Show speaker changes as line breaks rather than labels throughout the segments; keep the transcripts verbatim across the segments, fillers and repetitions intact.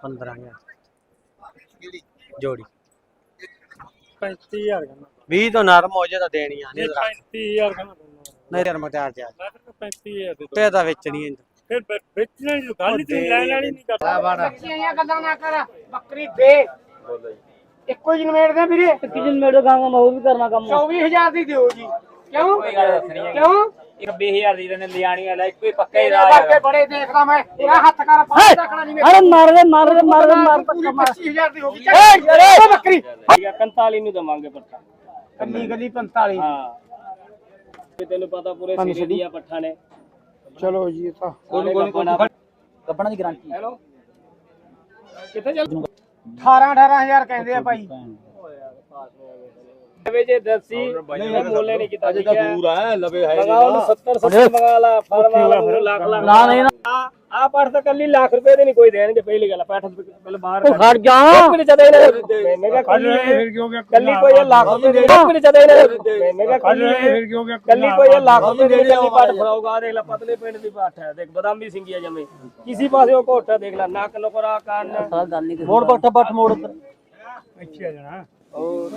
पंद्रह हजार जोड़ी
पैंती हजार
भी तो नरम हो जाए तो देनी है नहीं
पैंती हजार का
नहीं यार मटार चार
पैंती हजार
ते दा बेचनी है
फिर बेचने की गल ही लेने वाली नहीं करता
ਬੱਚੀਆਂ ਗੱਲਾਂ ਨਾ ਕਰ ਬੱਕਰੀ ਦੇ ਇੱਕੋ ਹੀ ਨਵੇੜ ਦੇ ਵੀਰੇ
ਇੱਕ ਦਿਨ ਮੇਰੇ ਗਾਂਗਾ ਮੈਂ ਉਹ ਵੀ ਕਰਨਾ ਕੰਮ
ਚੌਵੀ ਹਜ਼ਾਰ ਦੀ ਦਿਓ ਜੀ ਕਿਉਂ
ਕੋਈ ਗੱਲ ਦੱਸਣੀ ਹੈ
ਕਿਉਂ
ਇੱਕ ਵੀਹ ਹਜ਼ਾਰ ਦੀ ਨੇ ਲਿਆਣੀ ਵਾਲਾ ਇੱਕੋ ਹੀ ਪੱਕਾ ਹੀ
ਤੇਰੇ
ਰਾਹ
ਵਰਗੇ ਬੜੇ ਦੇਖਦਾ ਮੈਂ ਤੇਰਾ ਹੱਥ ਕਰ ਪਾਸ ਰੱਖਣਾ ਨਹੀਂ
ਅਰੇ ਮਾਰ ਦੇ ਮਾਰ ਦੇ ਮਾਰ ਦੇ ਮਾਰ
ਪੂਰੀ ਪੱਚੀ ਹਜ਼ਾਰ ਦੀ ਹੋ ਗਈ
ਏ
ਉਹ ਬੱਕਰੀ
ਪੰਤਾਲੀ ਨੂੰ ਦਵਾਂਗੇ ਪੱਠਾ
ਕੱਲੀ ਕੱਲੀ ਪੰਤਾਲੀ
ਹਾਂ ਤੇ ਤੈਨੂੰ ਪਤਾ ਪੂਰੇ ਸਿਰੇ ਦੀਆਂ ਪੱਠਾ ਨੇ
ਚਲੋ ਜੀ ਇਹ ਤਾਂ
ਕੋਈ ਕੋਈ ਕੱਪਣਾ ਦੀ ਗਾਰੰਟੀ ਹੈਲੋ
ਕਿੱਥੇ ਚੱਲ ਅਠਾਰਾਂ ਅਠਾਰਾਂ ਹਜ਼ਾਰ ਕਹਿੰਦੇ ਆ ਭਾਈ
ਵੇ ਜੇ ਦਸੀ ਨਹੀਂ ਬੋਲੇ ਨਹੀਂ ਕੀਤਾ
ਅਜੇ ਤਾਂ ਦੂਰ ਆ ਲਵੇ ਹੈ
ਲਗਾਓ ਨੂੰ ਸੱਤਰ ਸੱਤਰ ਮੰਗਾ ਲਾ ਫਾਰਮਾ ਵਾਲਾ ਲੱਖ ਲੱਖ ਨਾ ਨਹੀਂ ਆ ਆ ਪੱਠ ਤਾਂ ਕੱਲੀ ਲੱਖ ਰੁਪਏ ਦੇ ਨਹੀਂ ਕੋਈ ਦੇਣਗੇ ਪਹਿਲੀ ਗੱਲ ਪੈਠ ਪਹਿਲੇ ਬਾਹਰ ਖੜ ਜਾ ਕਿੰਨੇ ਚਦੇ ਇਹਨੇ ਮੈਂ ਕਿਹਾ ਕੱਲੀ
ਫਿਰ ਕਿਉਂ ਗਿਆ
ਕੱਲੀ ਕੋਈ ਲੱਖ ਰੁਪਏ ਦੇ ਕਿੰਨੇ ਚਦੇ ਇਹਨੇ ਮੈਂ ਕਿਹਾ ਕੱਲੀ
ਫਿਰ ਕਿਉਂ ਗਿਆ
ਕੱਲੀ ਕੋਈ ਲੱਖ ਰੁਪਏ ਦੇ ਕੱਲੀ ਪੱਠ ਫੜਾਊਗਾ ਦੇਖ ਲੈ ਪਤਲੇ ਪਿੰਡ ਦੀ ਪੱਠ ਹੈ ਦੇਖ ਬਦਾਮੀ ਸਿੰਗੀਆ ਜਮੇ ਕਿਸੇ ਪਾਸੇ ਉਹ ਘੋਟਾ ਦੇਖ ਲੈ ਨੱਕ ਲੋਕਰਾ ਕੰਨ
मोड़ पट्टा पट मोड़ उधर
ਅੱਛਾ ਜਣਾ
ਹੋਰ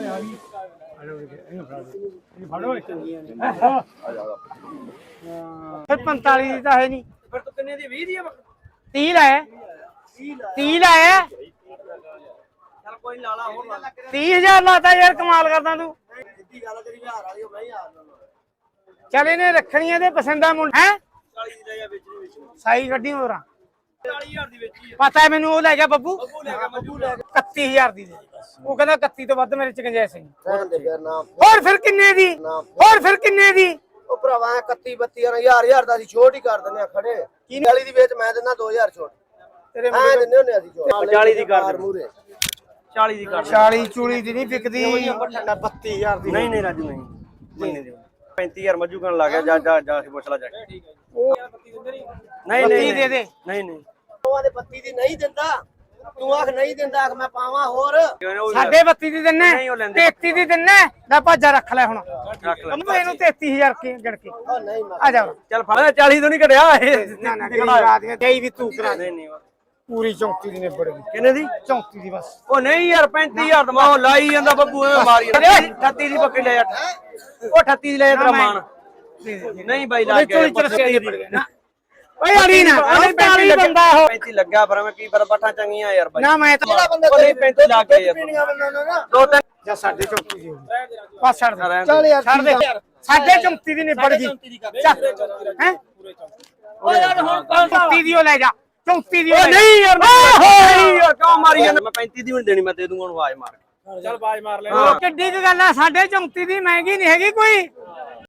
ਫਿਰ ਪੰਤਾਲੀ ਦੀ ਤਾਂ ਹੈ ਨਹੀਂ
ਫਿਰ ਤੂੰ ਕਿੰਨੇ ਦੀ ਵੀਹ ਦੀ ਆ
ਤੀਹ ਲਾਇਆ ਤੀਹ ਲਾਇਆ
ਚੱਲ ਕੋਈ ਲਾਲਾ ਹੋਰ ਲਾ
ਤੀਹ ਹਜ਼ਾਰ ਲਾਤਾ ਯਾਰ ਕਮਾਲ ਕਰਦਾ ਤੂੰ
ਸਿੱਧੀ ਗੱਲ ਤੇਰੀ ਹਜ਼ਾਰ ਵਾਲੀ ਹੋ ਬਈ ਯਾਰ
ਚੱਲ ਇਹਨੇ ਰੱਖਣੀਆਂ ਤੇ ਪਸੰਦਾ ਮੁੰਡਾ ਹੈ
ਚਾਲੀ ਦੀ ਲੈ ਜਾ ਵੇਚਣੀ ਵੇਚਣੀ
ਸਾਈ ਗੱਡੀ ਹੋਰਾਂ
ਚਾਲੀ ਹਜ਼ਾਰ ਦੀ ਵੇਚੀ ਹੈ
ਪਤਾ ਹੈ ਮੈਨੂੰ ਉਹ ਲੈ ਗਿਆ ਬੱਬੂ
ਬੱਬੂ ਲੈ ਗਿਆ ਬੱਬੂ ਲੈ ਗਿਆ
ਇਕੱਤੀ ਹਜ਼ਾਰ ਦੀ ਦੇ ਉਹ ਕਹਿੰਦਾ ਇਕੱਤੀ ਤੋਂ ਵੱਧ ਮੇਰੇ ਚ ਗੁੰਜਾਇਸ਼ ਨਹੀਂ
ਰਹਿਣ ਦੇ ਫਿਰ ਨਾ
ਹੋਰ ਫਿਰ ਕਿੰਨੇ ਦੀ ਹੋਰ ਫਿਰ ਕਿੰਨੇ ਦੀ
ਉਹ ਭਰਾਵਾ ਇਕੱਤੀ ਬੱਤੀ ਹਜ਼ਾਰ ਹਜ਼ਾਰ ਦਾ ਅਸੀਂ ਛੋਟ ਹੀ ਕਰ ਦਿੰਦੇ ਆ ਖੜੇ ਚਾਲੀ ਦੀ ਵੇਚ ਮੈਂ ਦਿੰਦਾ ਦੋ ਹਜ਼ਾਰ ਛੋਟ
ਤੇਰੇ
ਐ ਦਿੰਦੇ ਹੁੰਦੇ ਅਸੀਂ ਛੋਟ
ਚਾਲੀ ਦੀ ਕਰ ਦੇ
ਮੂਰੇ
ਚਾਲੀ ਦੀ ਕਰ
ਚਾਲੀ ਚੂਲੀ ਦੀ ਨਹੀਂ ਵਿਕਦੀ ਬੱਤੀ ਹਜ਼ਾਰ ਦੀ
ਨਹੀਂ ਨਹੀਂ ਰਾਜੂ ਨਹੀਂ ਮੰਨੇ ਦੇ ਪੈਂਤੀ ਹਜ਼ਾਰ ਮੱਜੂ ਕਰਨ ਲੱਗ ਗਿਆ ਜਾ ਜਾ ਜਾ ਕੇ ਪੁੱਛ ਲੈ ਜਾ ਕੇ ਨਹੀਂ
ਬੱਤੀ ਦੇ ਦੇ
ਨਹੀਂ ਨਹੀਂ
ਦੋਵਾਂ ਦੇ ਬੱਤੀ ਦੀ ਨਹੀਂ ਦਿੰਦਾ ਤੂੰ ਆਖ ਨਹੀਂ ਦਿੰਦਾ ਆਖ ਮੈਂ ਪਾਵਾਂ ਹੋਰ
ਸਾਡੇ ਬੱਤੀ ਦੀ ਦਿੰਨੇ ਤੇਤੀ ਦੀ ਦਿੰਨੇ ਲੈ ਭਾਜਾ ਰੱਖ ਲੈ ਹੁਣ
ਰੱਖ ਲੈ
ਤੂੰ ਇਹਨੂੰ ਤੇਤੀ ਹਜ਼ਾਰ ਕੇ ਗੜ ਕੇ
ਉਹ ਨਹੀਂ ਮੈਂ
ਆ ਜਾ
ਚੱਲ ਫੜ ਚਾਲੀ ਤੋਂ ਨਹੀਂ ਘਟਿਆ ਇਹ
ਨਾ ਨਾ ਕਰਾ ਦੇ ਦੇਈ ਵੀ ਤੂੰ ਕਰਾ ਦੇ
ਨਹੀਂ ਨਹੀਂ
ਪੂਰੀ ਚੌਂਤੀ ਦੀ ਨਿਬੜ ਗਈ
ਕਿੰਨੇ ਦੀ
ਚੌਂਤੀ ਦੀ ਬਸ
ਉਹ ਨਹੀਂ ਯਾਰ ਪੈਂਤੀ ਹਜ਼ਾਰ ਦਮਾ ਉਹ ਲਾਈ ਜਾਂਦਾ ਬੱਬੂ ਐਵੇਂ ਮਾਰੀ ਜਾਂਦਾ ਅਠੱਤੀ ਦੀ ਬੱਕਰੀ ਲੈ ਜਾ ਉਹ ਅਠੱਤੀ ਦੀ ਲੈ ਜਾ ਤੇਰਾ ਮਾਨ ਨਹੀਂ ਬਾਈ ਲਾ ਕੇ
ਓਏ ਅੜੀ ਨਾ ਪੈਂਤੀ ਬੰਦਾ ਉਹ
ਪੈਂਤੀ ਲੱਗਾ ਪਰ ਮੈਂ ਕੀ ਪਰ ਪੱਠਾਂ ਚੰਗੀਆਂ ਯਾਰ ਬਾਈ
ਨਾ ਮੈਂ ਤਾਂ
ਉਹ ਨਹੀਂ ਪੈਂਤੀ ਲਾ ਕੇ ਯਾਰ
ਪੀਣੀਆਂ ਬੰਦਾ ਨਾ
ਦੋ ਤਿੰਨ
ਜਾਂ ਸਾਡੇ ਚੌਂਤੀ ਦੀ ਬਸ ਛੱਡ ਦੇ
ਚੱਲ ਯਾਰ
ਛੱਡ ਦੇ ਸਾਡੇ ਚੌਂਤੀ ਦੀ ਨਿਬੜ ਗਈ ਹੈ ਓਏ ਯਾਰ ਹੁਣ ਚੌਂਤੀ ਦੀ ਉਹ ਲੈ ਜਾ ਚੌਂਤੀ ਦੀ
ਉਹ ਨਹੀਂ ਯਾਰ ਨਹੀਂ ਯਾਰ ਕਿਉਂ ਮਾਰੀ ਜਾਂਦਾ ਮੈਂ ਪੈਂਤੀ ਦੀ ਵੀ ਨਹੀਂ ਦੇਣੀ ਮੈਂ ਦੇ ਦੂੰਗਾ ਉਹਨੂੰ ਆਵਾਜ਼ ਮਾਰ
ਚੱਲ ਬਾਜ ਮਾਰ ਲੈ
ਕਿੱਡੀ ਕੁ ਗੱਲ ਆ ਸਾਡੇ ਚੌਂਤੀ ਦੀ ਮਹਿੰਗੀ ਨਹੀਂ ਹੈਗੀ ਕੋਈ